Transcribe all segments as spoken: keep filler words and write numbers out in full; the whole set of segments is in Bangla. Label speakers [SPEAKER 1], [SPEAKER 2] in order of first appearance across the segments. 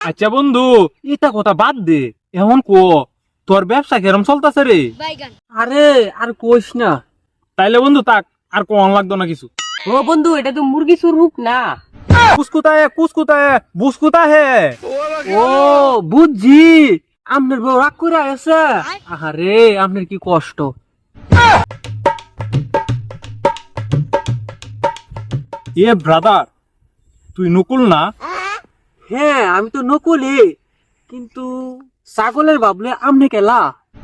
[SPEAKER 1] আচ্ছা বন্ধু, এটা কথা বাদ দে। এমন কো তোর ব্যবসা কেরম চলতেছে রে?
[SPEAKER 2] আরে আর কইস না।
[SPEAKER 1] তাইলে বন্ধু তাক, আর কোন লাগতো না কিছু।
[SPEAKER 2] ও বন্ধু, এটা তো মুরগি চুর হুক না।
[SPEAKER 1] কুসকুতা হে কুসকুতা হে বুসকুতা হে।
[SPEAKER 2] ও বুঝছি, আপনার বউ রাগ করে আছে। আরে আপনার কি কষ্ট।
[SPEAKER 1] এ ব্রাদার, তুই নকুল না?
[SPEAKER 2] হ্যাঁ আমি তো নকলি, কিন্তু ছাগলের ভাবলে আমনে কেলা।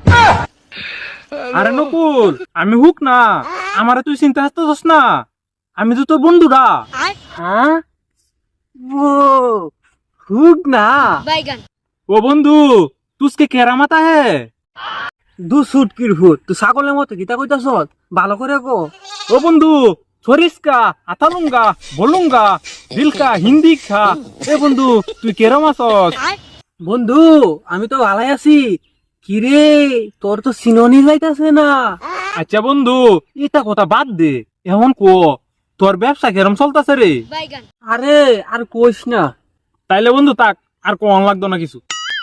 [SPEAKER 1] আরে নকুল, আমি হুক না। আমারে তুই চিন্তা হাসতেছস না? আমি তো তোর বন্ধুরা।
[SPEAKER 2] হ্যাঁ ও হুক না।
[SPEAKER 1] ও বন্ধু, তুসকে কেরামাতা হে?
[SPEAKER 2] দু সুটকির হুট তুই ছাগলের মতো গীতা কইতাছ, ভালো করে কো।
[SPEAKER 1] ও বন্ধু, ছরিসকা আতালুঙ্গা বলুঙ্গা দিলকা হিন্দি খা। এ বন্ধু, তুই কেরম আছস?
[SPEAKER 2] বন্ধু আমি তো ভালাই আছি। কিরে তোর তো সিনোনি যাইতাছে না।
[SPEAKER 1] আচ্ছা বন্ধু, এটা কথা বাদ দে। এমন কো তোর ব্যবসা কেরম চলতেছে রে?
[SPEAKER 2] আরে আর কইস না।
[SPEAKER 1] তাইলে বন্ধু তাক, আর কোন লাগতো না কিছু।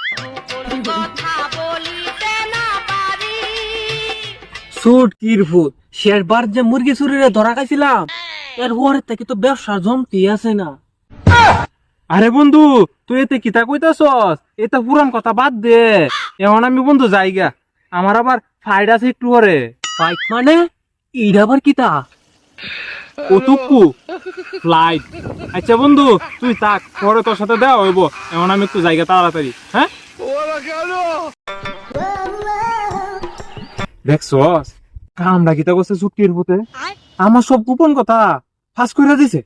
[SPEAKER 2] সুটকির হুট শেষবার যে মুরগি চুরিরে ধরা খাইছিলাম, এর পরের থেকে তো ব্যবসা জমতি আছে না।
[SPEAKER 1] আরে বন্ধু, তুই এতে কিতা কইতাছস? এটা পুরান কথা বাদ দে। এখন আমি বন্ধু যাইগা, আমার আবার ফাইড আছে একটু করে।
[SPEAKER 2] ফাইট মানে ইড আবার কিতা?
[SPEAKER 1] কতুকু ফ্লাইট। আচ্ছা বন্ধু, তুই তাক, পরে তোর সাথে দেওয়া হইব। এখন আমি একটু জায়গা তাড়াতাড়ি। হ্যাঁ দেখছস, কামড়া কিতা করছে চুটকির ভূতে? আমার সব গোপন কথা ফাঁস করে দিছে।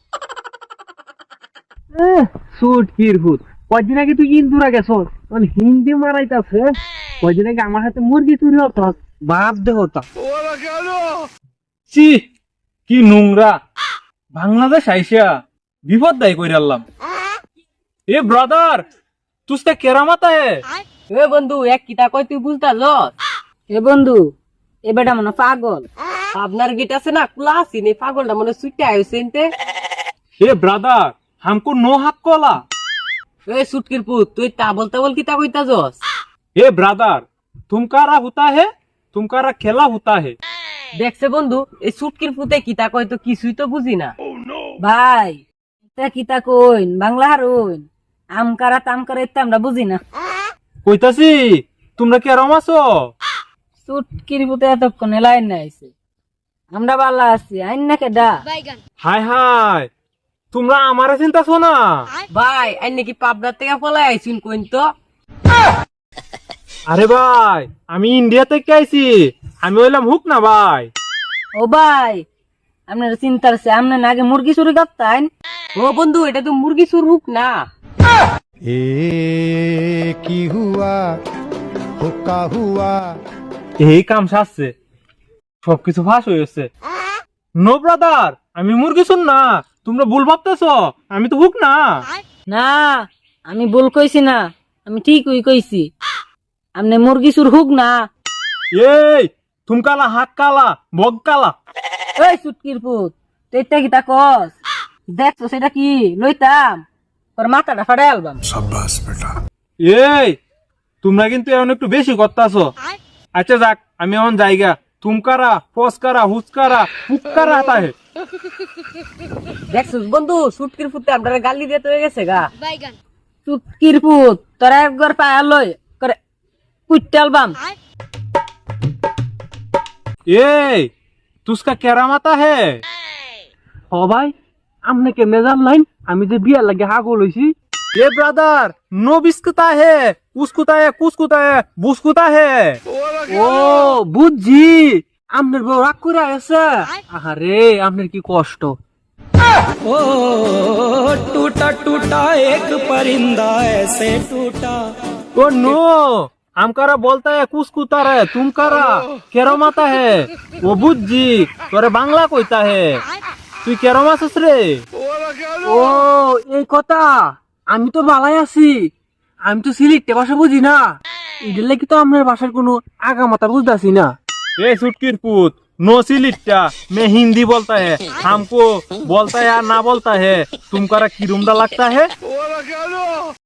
[SPEAKER 2] সুটকির হুট কয়দিন আগে তুই ইন্দুরা গেছ, মানে হিন্দি মারাইতাছে। কয়দিন আগে আমার হাতে মুরগি চুরি হতো, বাপ দে হতা।
[SPEAKER 1] চি, কি নোংরা! বাংলাদেশ আইসা বিপদ দায় কইরা আনলাম। এ ব্রাদার, তুসকে কেরামাতা হে?
[SPEAKER 2] এ বন্ধু এক কিতা কই তুই বুঝতাছ? এ বন্ধু এ বেটা মনে পাগল। আপনার গিট আছে না ক্লাসি নেই, পাগলটা মনে সুইটে আইছেনতে।
[SPEAKER 1] এ ব্রাদার, हमको नो हक कोला।
[SPEAKER 2] ए सुटकिर पुत তুই তা বলতে বল কিতা কইতাছস?
[SPEAKER 1] ए ब्रदर, तुमकारा होता है, तुमकारा खेला होता है।
[SPEAKER 2] দেখছে বন্ধু এই সুটকির পুতে কিতা কই তো কিছুই তো বুঝি না। ভাই এটা কিতা কইন বাংলা হারুন, আমকারা তামকারা এটা আমরা বুঝি না।
[SPEAKER 1] কইতাছি, তোমরা কেরম আছো?
[SPEAKER 2] সুটকির পুতে এতক্ষণ লাইন না আইছে, আমরা ভালো আছি। আইন না কেডা?
[SPEAKER 1] হাই হাই, তোমরা আমারে চিন্তাছো না?
[SPEAKER 2] ভাই আইন নাকি পাবনার থেকে পলাই আইছুন কইন তো।
[SPEAKER 1] আরে ভাই, আমি ইন্ডিয়া থেকে আইছি। আমি হইলাম হুক না ভাই।
[SPEAKER 2] ও ভাই আপনার চিন্তার আছে, আপনার আগে মুরগি চুরি করতেন। ও বন্ধু এটা তো মুরগি চুর হুক না।
[SPEAKER 3] ए की हुआ हुक्का हुआ।
[SPEAKER 1] এই কাম সারছে, সবকিছু ফাঁস হয়েছে। নো ব্রাদার, আমি মুরগি শুন না। তোমরা ভুল ভাবতেছ, আমি তো হুক না।
[SPEAKER 2] না আমি ভুল কইছি না, আমি ঠিকই কইছি। আপনি মুরগি চুর হুক না।
[SPEAKER 1] এই তুমকালা হাক কালা বগ কালা।
[SPEAKER 2] এই সুটকির পুত তুই এটা কি তা কস? দেখছো সেটা কি লইতাম তোর মাথাটা ফাটাই আলবাম।
[SPEAKER 1] এই তোমরা কিন্তু এখন একটু বেশি করতেছো। আচ্ছা যাক, আমি এখন জায়গা। তুমকারা ফসকারা হুচকারা পুক্কারা হাতা হে।
[SPEAKER 2] দেখছো বন্ধু সুটকির পুতে আপনারা গালি দিয়ে তো হয়ে গেছে গা। সুটকির পুত তোরা একবার পায়া লই করে কুইটা আলবাম।
[SPEAKER 1] এই তুসকা কেরামাতা হে?
[SPEAKER 2] ও ভাই আমনে কে মেজাম লাইন, আমি যে বিয়া লাগে হাগল হইছি।
[SPEAKER 1] এ ব্রাদার, নো বিস্কুতা হে উস্কুতা হে কুসকুতা হে বুসকুতা হে।
[SPEAKER 2] ও বুঝছি, আপনার বউ রাগ করে আছে। আরে আপনার কি কষ্ট।
[SPEAKER 4] ओ टूटा टूटा एक परिंदा ऐसे टूटा।
[SPEAKER 1] ओ नो, আমকারা বলতা হে কুসকুতা রে তুমকারা কেরমাতা হে। ও বুঝছি, তোরে বাংলা কইতা হে। তুই কেরম আছিস রে?
[SPEAKER 2] ও এই কথা, আমি তো ভালাই আছি। আমি তো সিলেক্টে ভাষা বুঝি না, এটার লাগি তো আপনার ভাষার কোনো আগা মাথা বুঝতেছি না।
[SPEAKER 1] ए सुटकीर पुत, नो सिलिट्टा, मैं हिंदी बोलता है। हमको बोलता है या ना बोलता है, तुमकारा किरुमडा लगता है।